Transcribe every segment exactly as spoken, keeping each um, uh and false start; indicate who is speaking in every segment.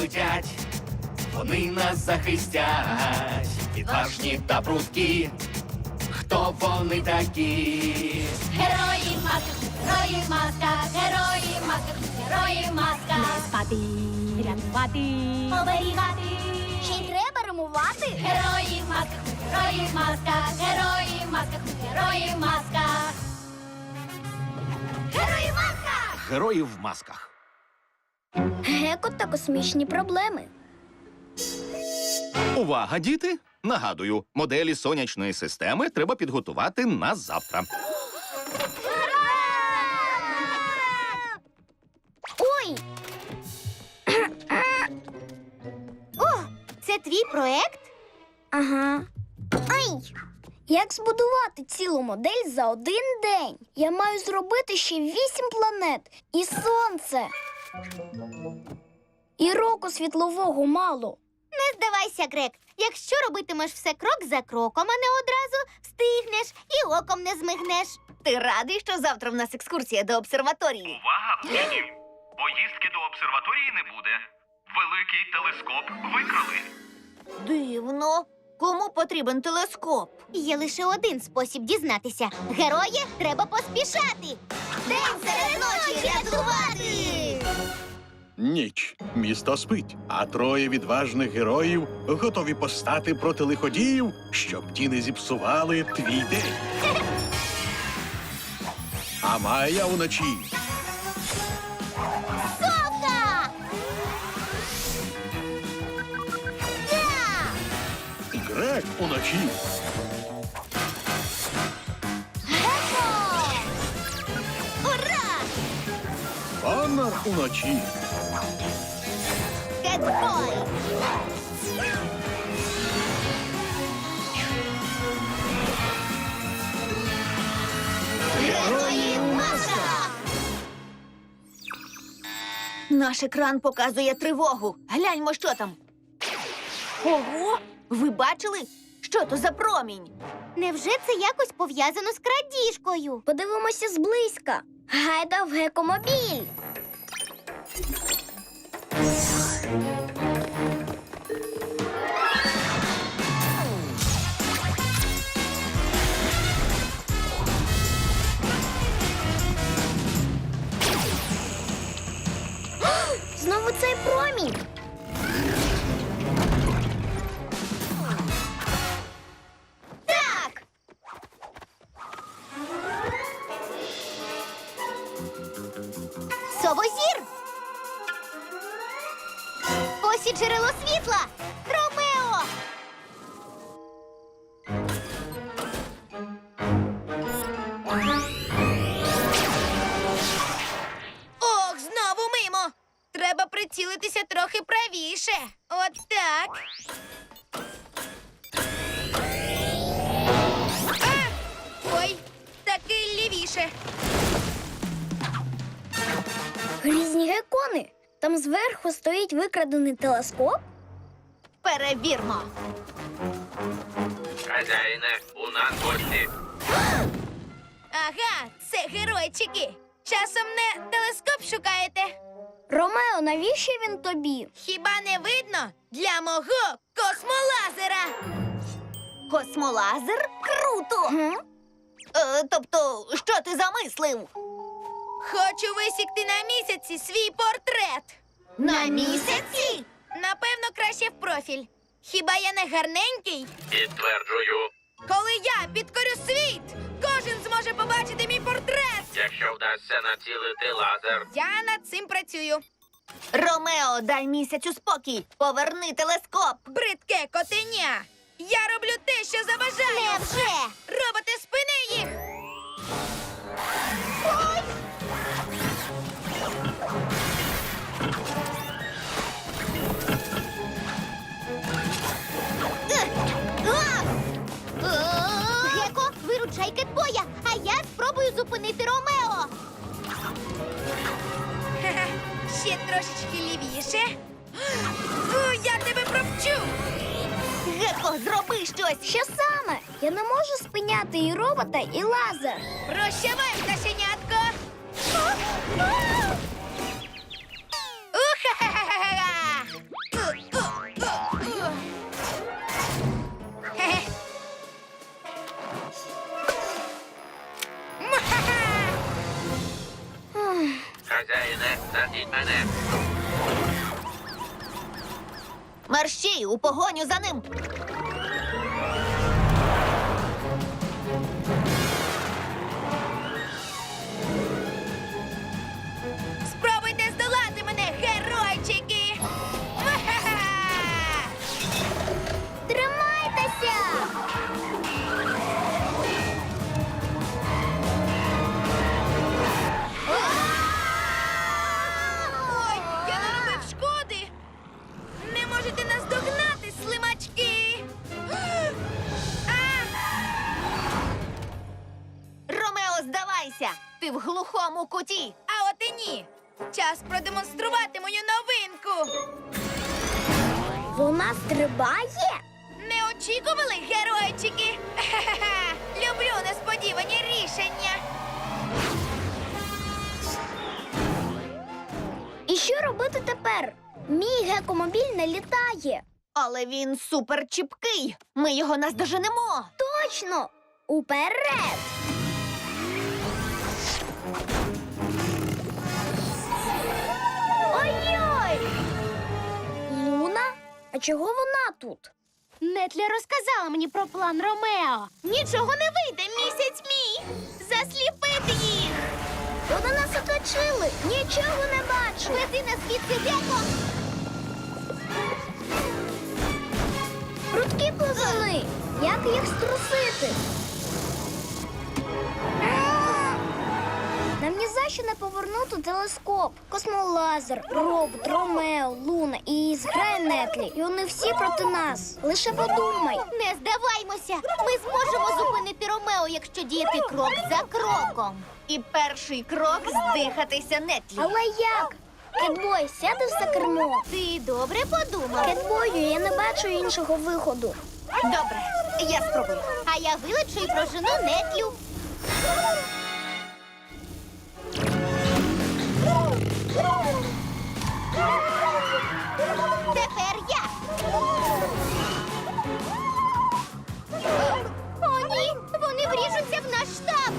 Speaker 1: студять, вони нас захистять, відважні та прудкі. Хто вони такі?
Speaker 2: Герої в масках, герої в масках, герої в масках, герої в масках. Не спати, рятувати, оберігати.
Speaker 3: Ще й треба римувати.
Speaker 2: Герої в масках, герої в масках, герої в масках, герої в масках.
Speaker 3: Герої в масках!
Speaker 1: Герої в масках.
Speaker 3: Геко та космічні проблеми.
Speaker 4: Увага, діти! Нагадую, моделі сонячної системи треба підготувати на завтра.
Speaker 3: Ой! О, це твій проект? Ага. Ай! Як збудувати цілу модель за один день? Я маю зробити ще вісім планет і сонце. І року світлового мало. Не здавайся, Грек. Якщо робитимеш все крок за кроком, а не одразу, встигнеш і оком не змигнеш.
Speaker 5: Ти радий, що завтра в нас екскурсія до обсерваторії?
Speaker 6: Увага, усім! Поїздки до обсерваторії не буде. Великий телескоп викрали.
Speaker 5: Дивно. Кому потрібен телескоп?
Speaker 3: Є лише один спосіб дізнатися. Герої, треба поспішати. День серед ночі рятувати!
Speaker 7: Ніч. Місто спить, а троє відважних героїв готові постати проти лиходіїв, щоб ті не зіпсували твій день. А Майя уночі.
Speaker 3: Совка! Так!
Speaker 7: Грек уночі.
Speaker 3: Геко! Ура!
Speaker 7: Коннор уночі.
Speaker 3: Кетбой! Герої в масках!
Speaker 5: Наш екран показує тривогу. Гляньмо, що там. Ого! Ви бачили? Що то за промінь?
Speaker 3: Невже це якось пов'язано з крадіжкою? Подивимося зблизька. Гайда в гекомобіль. Знову цей промінь. Так! Совозір! Ось і джерело світла! Ромео!
Speaker 5: Ох, знову мимо! Треба прицілитися трохи правіше. От так. А! Ой, таки лівіше.
Speaker 3: Грізні гекони! Там зверху стоїть викрадений телескоп?
Speaker 5: Перевірмо.
Speaker 6: Хазяїне, у нас гості.
Speaker 5: Ага, це геройчики. Часом не телескоп шукаєте?
Speaker 3: Ромео, навіщо він тобі?
Speaker 5: Хіба не видно? Для мого космолазера. Космолазер? Круто!
Speaker 3: М?
Speaker 5: Е, тобто, що ти замислив? Хочу висікти на місяці свій портрет. На місяці? Напевно, краще в профіль. Хіба я не гарненький?
Speaker 6: Підтверджую,
Speaker 5: Коли я підкорю світ, кожен зможе побачити мій портрет.
Speaker 6: якщо вдасться націлити лазер.
Speaker 5: Я над цим працюю. Ромео, дай місяцю спокій. Поверни телескоп. Бридке котеня. Я роблю те, що забажаю.
Speaker 3: Невже?
Speaker 5: Роботи, спини їх.
Speaker 3: Геко, виручай Кетбоя, а я спробую зупинити Ромео.
Speaker 5: Ха-ха. Ще трошечки лівіше. Фу, я тебе провчу. Геко, зроби щось.
Speaker 3: Що саме? Я не можу спиняти і робота, і лазер.
Speaker 5: Прощавай, пташенятко. Уха-ха-ха-ха!
Speaker 6: мене.
Speaker 5: Мерщій, у погоню за ним. Спробуйте здолати мене, геройчики! Ва-ха-ха!
Speaker 3: Тримайтеся!
Speaker 5: Ой, я наробив шкоди! Не можете нас догнати, слимачки! А! Ромео, здавайся! Ти в глухому куті! А от і ні! Час продемонструвати мою новинку!
Speaker 3: Вона стрибає?
Speaker 5: Не очікували, геройчики? Ха-ха-ха! Люблю несподівані рішення!
Speaker 3: І що робити тепер? Мій гекомобіль не літає.
Speaker 5: Але він супер чіпкий! Ми його наздоженемо!
Speaker 3: Точно! Уперед! Ой-ой! Луна? А чого вона тут?
Speaker 2: Нетля розказала мені про план Ромео.
Speaker 5: Нічого не вийде, місяць мій! Засліпити їх!
Speaker 3: Вони нас оточили! Нічого не бачу!
Speaker 5: Веди нас звідси, Геко!
Speaker 3: Прудкі плазуни! Як їх струсити? Нам ні за що не повернути телескоп. Космолазер, робот, Ромео, Луна і зграє Нетлі. І вони всі проти нас. Лише подумай.
Speaker 5: Не здаваймося! Ми зможемо зупинити Ромео, якщо діяти крок за кроком. І перший крок здихатися Нетлі.
Speaker 3: Але як? Кетбой, сяде за кермо.
Speaker 5: Ти добре подумав?
Speaker 3: Кетбою, я не бачу іншого виходу.
Speaker 5: Добре, я спробую. А я вилечу і прожену Нетлю. Тепер я. О, ні! Вони вріжуться в наш штаб.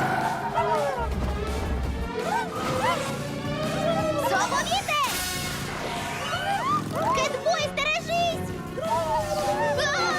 Speaker 5: Зоповіте! Кетбой, стережись! А!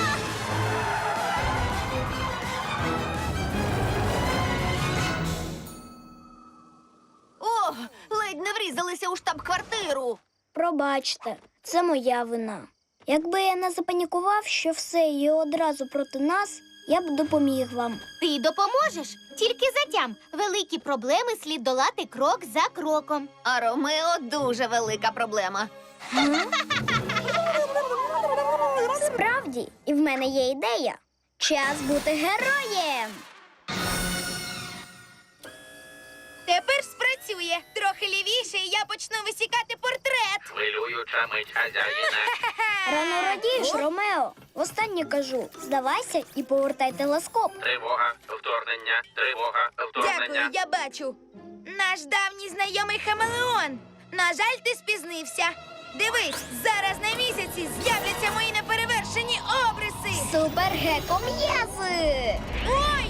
Speaker 5: О, ледь не врізалися у штаб-квартиру.
Speaker 3: Пробачте, це моя вина. Якби я не запанікував, що все і одразу проти нас, я б допоміг вам.
Speaker 5: Ти допоможеш? Тільки затям. Великі проблеми слід долати крок за кроком. А Ромео дуже велика проблема.
Speaker 3: Справді, і в мене є ідея. Час бути героєм.
Speaker 5: Тепер спрацює. Трохи лівіше, і я почну висікати портрет.
Speaker 6: Хвилююча мить хазяїна.
Speaker 3: Рано радієш, Ромео. Востаннє кажу, здавайся і повертай телескоп.
Speaker 6: Тривога, вторгнення, тривога, вторгнення.
Speaker 5: Дякую, я бачу. Наш давній знайомий Хамелеон. На жаль, ти спізнився. Дивись, зараз на місяці з'являться мої неперевершені обриси.
Speaker 3: Супер-геко-м'язи!
Speaker 5: Ой!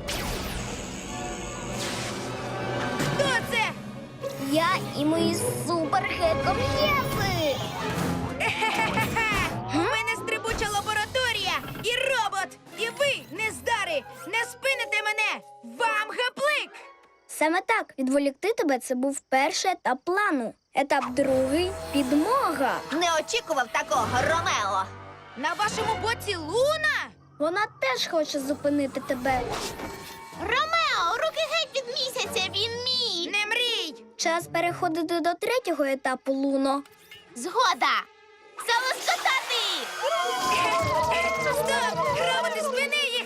Speaker 5: Хто це?
Speaker 3: Я і мої супер-геко-м'язи!
Speaker 5: Хе-хе-хе-хе! У мене стрибуча лабораторія і робот! І ви, нездари, не спините мене! Вам гаплик!
Speaker 3: Саме так, відволікти тебе – це був перший етап плану. Етап другий – підмога.
Speaker 5: Не очікував такого, Ромео! На вашому боці Луна?
Speaker 3: Вона теж хоче зупинити тебе.
Speaker 5: Ромео, руки геть від місяця, він мій! Не мрій!
Speaker 3: Час переходити до третього етапу, Луно.
Speaker 5: Згода! Залоскотати! Стоп! Роботи, спини їх!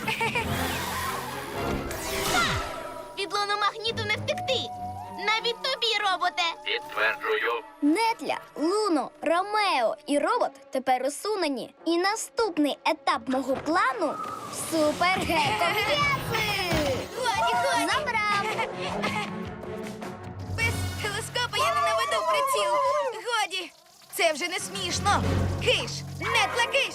Speaker 5: Від луномагніту не втекти! Навіть тобі, роботе!
Speaker 6: Підтверджую.
Speaker 3: Нетля, Луно, Ромео і робот тепер усунені. І наступний етап мого плану – супер-геко-м'язи!
Speaker 5: Годі, годі!
Speaker 3: Забрав!
Speaker 5: Без телескопа я не наведу приціл! Годі! Це вже не смішно! Киш! Нетла, киш!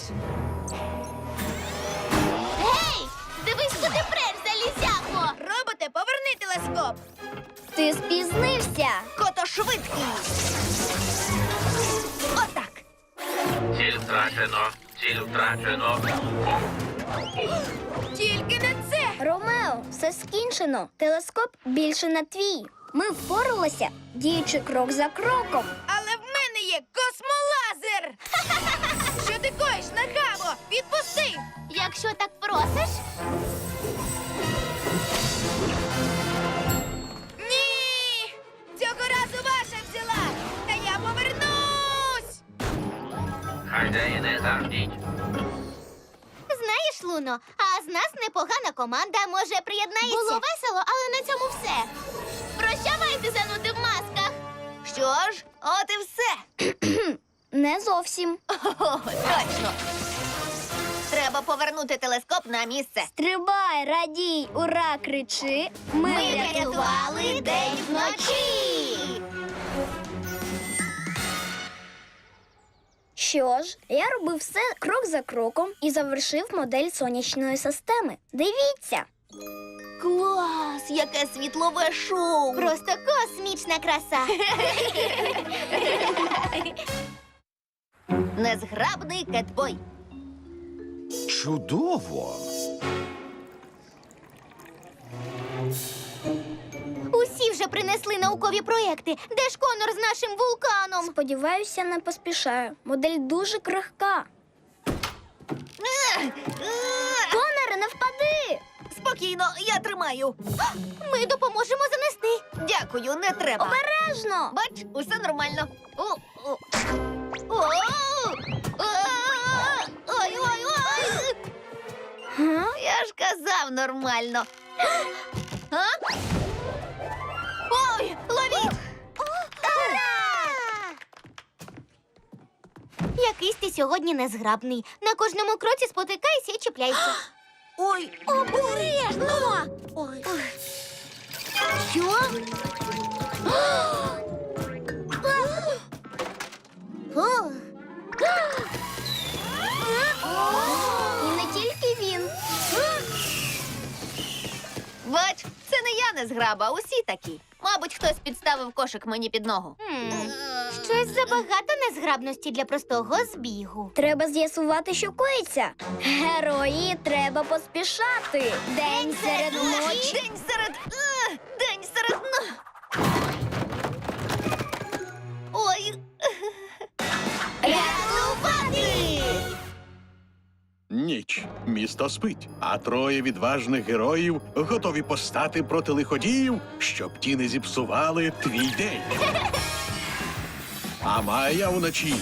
Speaker 5: Гей! Дивись, куди преш, залізяко! Роботе, поверни телескоп!
Speaker 3: Ти спізнився!
Speaker 5: Кото швидкість. Отак.
Speaker 6: Ціль втрачено. Ціль втрачено.
Speaker 5: Тільки не це.
Speaker 3: Ромео, все скінчено. Телескоп більше не твій. Ми впоралися, діючи крок за кроком.
Speaker 5: Але в мене є космолазер. Що ти коїш, нахамо? Відпусти.
Speaker 2: Якщо так просиш,
Speaker 5: Ні! Цього разу ваша взяла. Та я повернусь.
Speaker 6: Хазяїне, заждіть.
Speaker 2: знаєш, Луно, а з нас непогана команда, може, приєднається? Було весело, але на цьому все. Прощавайте, зануди в масках.
Speaker 5: Що ж, от і все.
Speaker 3: Не зовсім.
Speaker 5: О, точно. Треба повернути телескоп на місце.
Speaker 3: Стрибай, радій, ура, кричи. Ми,
Speaker 2: врятували день вночі.
Speaker 3: Що ж, я робив все крок за кроком і завершив модель сонячної системи. Дивіться.
Speaker 5: Клас! Яке світлове шоу!
Speaker 2: Просто космічна краса.
Speaker 5: Незграбний кетбой.
Speaker 4: Чудово!
Speaker 2: Усі вже принесли наукові проєкти. Де ж Конор з нашим вулканом?
Speaker 3: Сподіваюся, не поспішаю. Модель дуже крихка. Коноре, не впади!
Speaker 5: Спокійно, я тримаю.
Speaker 2: Ми допоможемо занести.
Speaker 5: Дякую, не треба.
Speaker 3: Обережно!
Speaker 5: Бач, усе нормально. О, о. О, о, ой, ой, ой.
Speaker 3: Га?
Speaker 5: Я ж казав нормально. А? Ой, ловіть!
Speaker 2: Якийсь ти сьогодні незграбний. На кожному кроці спотикайся і чіпляйся.
Speaker 5: Ой,
Speaker 2: Обережно!
Speaker 5: ой.
Speaker 2: Що? О!
Speaker 3: І не тільки він.
Speaker 5: Бач, це не я не зграба, усі такі. Мабуть, хтось підставив кошик мені під ногу.
Speaker 2: М, Щось забагато незграбності для простого збігу.
Speaker 3: Треба з'ясувати, що коїться. Герої, треба поспішати. День серед ночі.
Speaker 5: День серед... е, День серед... но- Ой,
Speaker 2: Рятувати!
Speaker 7: Ніч. Місто спить, а троє відважних героїв готові постати проти лиходіїв, щоб ті не зіпсували твій день. А Майя уночі.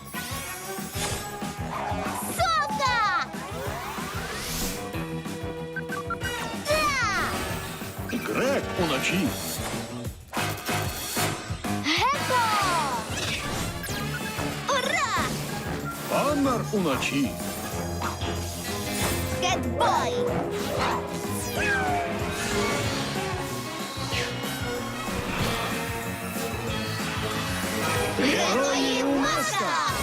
Speaker 2: Совка!
Speaker 7: Грек уночі.
Speaker 3: Геко!
Speaker 2: Ура!
Speaker 7: Коннор уночі.
Speaker 5: кетбой!
Speaker 3: Герої у масках!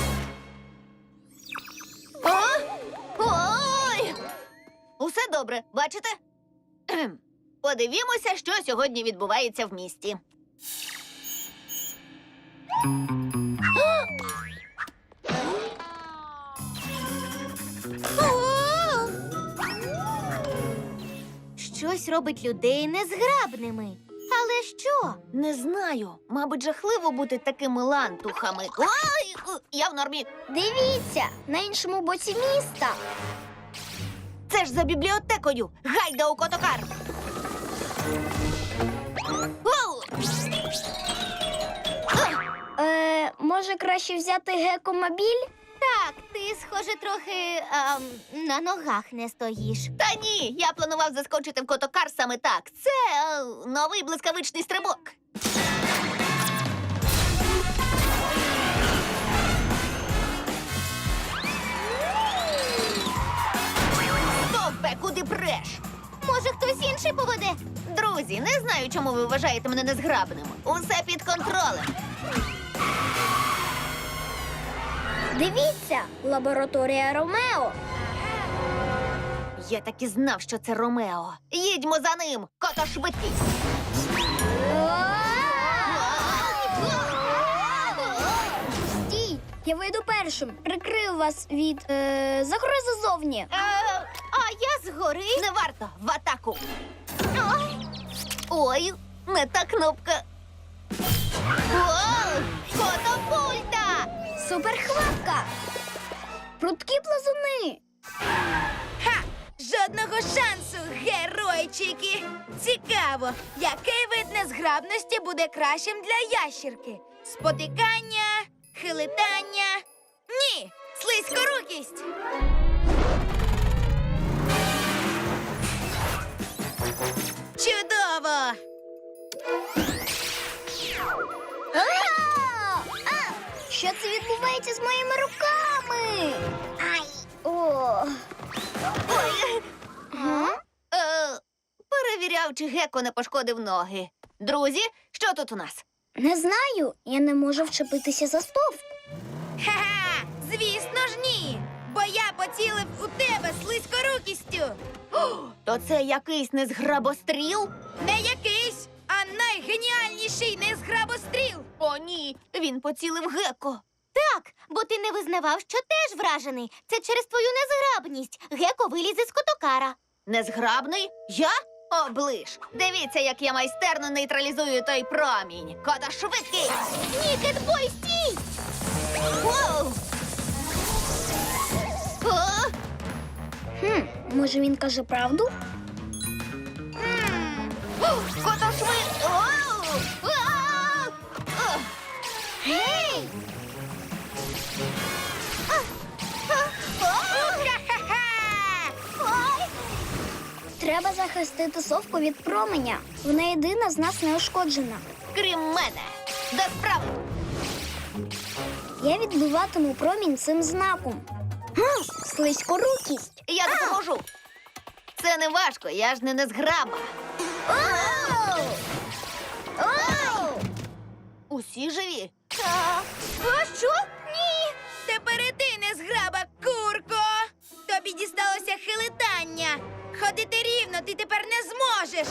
Speaker 5: О? Ой! Усе добре, бачите? Кхем. Подивімося, що сьогодні відбувається в місті.
Speaker 2: Щось робить людей незграбними. Але що?
Speaker 5: Не знаю. Мабуть, жахливо бути такими лантухами. Ой! у, Я в нормі.
Speaker 3: Дивіться, на іншому боці міста.
Speaker 5: Це ж за бібліотекою. Гайда у котокар. Оу!
Speaker 3: Е, може, краще взяти гекомобіль?
Speaker 2: Так, ти, схоже, трохи ем, на ногах не стоїш.
Speaker 5: Та ні, я планував заскочити в котокар саме так. Це е, новий блискавичний стрибок. Стопе, куди преш?
Speaker 2: Може, хтось інший поведе?
Speaker 5: Друзі, не знаю, чому ви вважаєте мене незграбним. Усе під контролем.
Speaker 3: Дивіться, лабораторія Ромео.
Speaker 5: Я так і знав, що це Ромео. Їдьмо за ним, кото швидкість.
Speaker 3: Я вийду першим. Прикрию вас від е, загрози зовні.
Speaker 5: Е, а я згори. Не варто, в атаку. Ой, Ой не та кнопка. О, катапульта!
Speaker 3: Суперхватка! Прудкі плазуни!
Speaker 5: Ха! Жодного шансу, геройчики! Цікаво, який вид незграбності буде кращим для ящірки? Спотикання, хилитання? Ні! Слизькорукість! Чудово!
Speaker 3: А! А! Що це відбувається з моїми руками? Ай! О!
Speaker 5: Ой!
Speaker 3: Га?
Speaker 5: Е, перевіряв, чи Гекко не пошкодив ноги. Друзі, що тут у нас?
Speaker 3: Не знаю, я не можу вчепитися за стовп.
Speaker 5: Ха-ха! Звісно ж ні! Бо я поцілив у тебе слизькорукістю! О, то це якийсь незграбостріл? Не якийсь, а найгеніальніший незграбостріл! О, ні, він поцілив Гекко.
Speaker 2: Так, бо ти не визнавав, що теж вражений. Це через твою незграбність. Геко вилізе з котокара.
Speaker 5: Незграбний? Я? Оближ! Дивіться, як я майстерно нейтралізую той промінь. Кота швидкий!
Speaker 2: Ні, Кетбой, стій!
Speaker 5: Воу! О!
Speaker 3: Хм, може він каже правду?
Speaker 5: М. О, Кота швид... Оу! А! О!
Speaker 3: Гей!
Speaker 5: Ха-ха-ха!
Speaker 3: Ой! Треба захистити совку від променя. Вона єдина з нас не ушкоджена.
Speaker 5: Крім мене. До справи.
Speaker 3: Я відбиватиму промінь цим знаком. Га, слизькорукість.
Speaker 5: Я допоможу. Це не важко, я ж не незграба.
Speaker 3: Оу! Оу!
Speaker 5: Усі живі? А, а що? Ні. Тепер і ти незграба, курко. Тобі дісталося хилитання. Ходити рівно ти тепер не зможеш.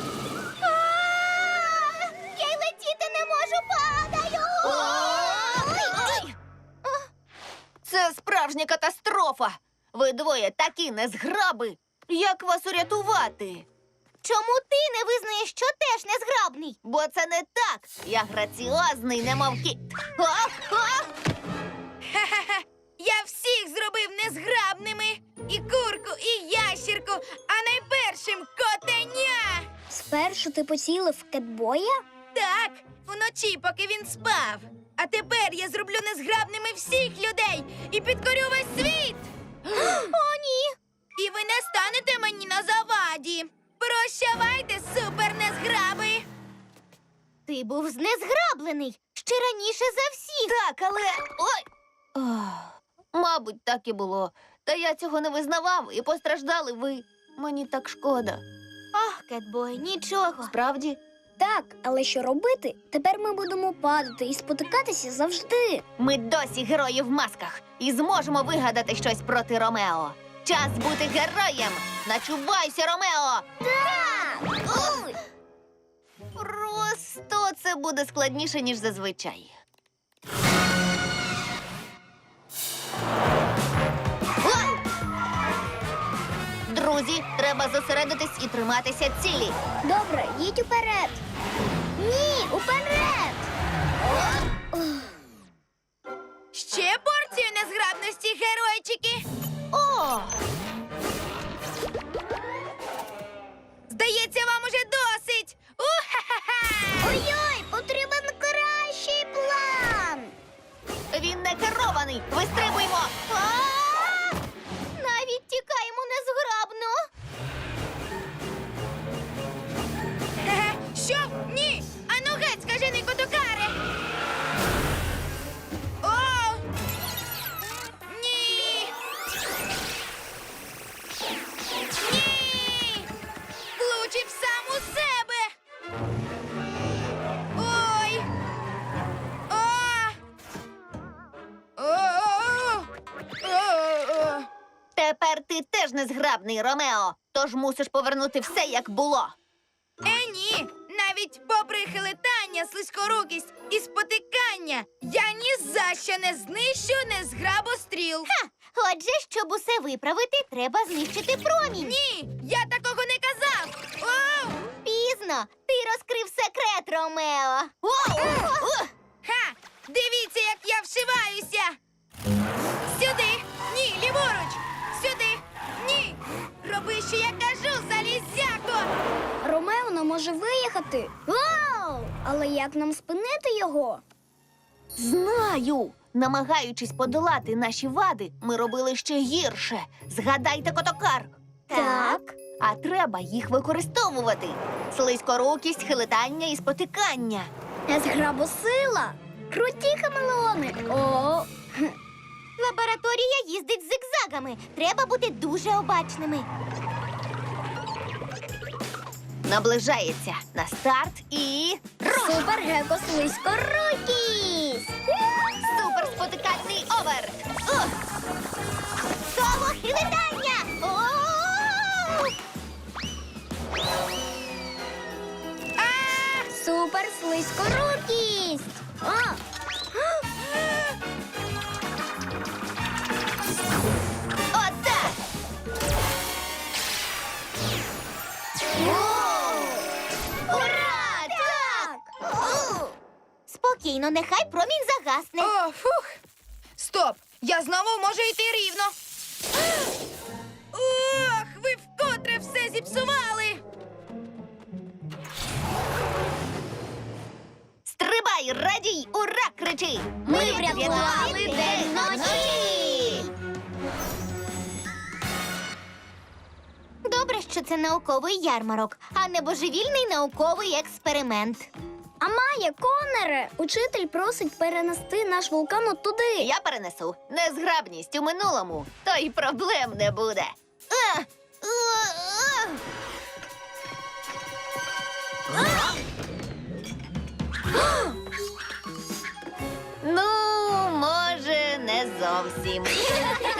Speaker 2: Я й летіти не можу, падаю!
Speaker 5: Ой! Це справжня катастрофа. Ви двоє такі незграби. Як вас урятувати?
Speaker 2: Чому ти не визнаєш, що теж незграбний?
Speaker 5: Бо це не так. Я граціозний, немов кіт. А, а! Ха-ха-ха! Я всіх зробив незграбними. І курку, і ящірку, а найпершим котеня.
Speaker 3: Спершу ти поцілив Кетбоя?
Speaker 5: Так, вночі, поки він спав. А тепер я зроблю незграбними всіх людей і підкорю весь світ. О, ні! І ви не станете мені на заваді. Прощавайте, супернезграби!
Speaker 2: Ти був знезграблений ще раніше за всіх.
Speaker 5: Так, але. Ой! Ох, мабуть, так і було. Та я цього не визнавав, і постраждали ви. Мені так шкода.
Speaker 2: Ах, Кетбой, нічого.
Speaker 5: Справді?
Speaker 3: Так, але що робити? Тепер ми будемо падати і спотикатися завжди.
Speaker 5: Ми досі герої в масках і зможемо вигадати щось проти Ромео. Час бути героєм! Начувайся, Ромео!
Speaker 3: Так! Ой!
Speaker 5: Просто це буде складніше, ніж зазвичай. Ой! Друзі, треба зосередитись і триматися цілі.
Speaker 3: Добре, їдь уперед. Ні, уперед!
Speaker 5: Ще порцію незграбності, геройчики! О! Здається, вам уже досить! У-ха-ха-ха!
Speaker 3: Ой-ой, потрібен кращий план.
Speaker 5: Він не керований! Вистрибуймо! А!
Speaker 2: Навіть тікаємо незграбно.
Speaker 5: Хе-хе. Що? Ні! Ану геть, скажений котокаре! О! Ні! Ні! Влучив сам у себе! Ой! О! О! О! Тепер ти теж незграбний, Ромео, тож мусиш повернути все, як було. Е, ні! Навіть попри хилитання хилитання, слизькорукість і спотикання я ні за що не знищу незграбостріл.
Speaker 2: Ха! Отже, щоб усе виправити, треба знищити промінь.
Speaker 5: Ні, я такого не казав. О!
Speaker 2: Пізно. Ти розкрив секрет, Ромео. О!
Speaker 5: Ха! Дивіться, як я вшиваюся. Сюди. Ні, ліворуч. Сюди. Ні. Роби, що я кажу, залізяко.
Speaker 3: Ромео не може виїхати. Вау! Але як нам спинити його?
Speaker 2: Знаю. Намагаючись подолати наші вади, ми робили ще гірше. Згадайте котокар.
Speaker 3: Так.
Speaker 2: А треба їх використовувати. Слизькорукість, хилитання і спотикання.
Speaker 3: Незграбосила. Круті хамелеони. О,
Speaker 2: Лабораторія їздить зигзагами. Треба бути дуже обачними. Наближається на старт і...
Speaker 3: супер-геко слизькорукість.
Speaker 2: Супер спотикальний овер! Ух! Соло хилитання! О!
Speaker 3: Супер слизькорукість. А!
Speaker 2: Отак! Ура! Так! У! Спокійно, нехай промінь загасне.
Speaker 5: О, фух. Стоп! Я знову можу йти рівно. Ох, ви вкотре все зіпсували.
Speaker 2: Стрибай, радій, ура, кричи!
Speaker 3: Ми врятували день
Speaker 2: ночі! Добре, що це науковий ярмарок, а не божевільний науковий експеримент.
Speaker 3: А Майя, Конере, учитель просить перенести наш вулкан от туди.
Speaker 2: Я перенесу незграбність у минулому, то й проблем не буде. А! А! А! Ну, може, не зовсім.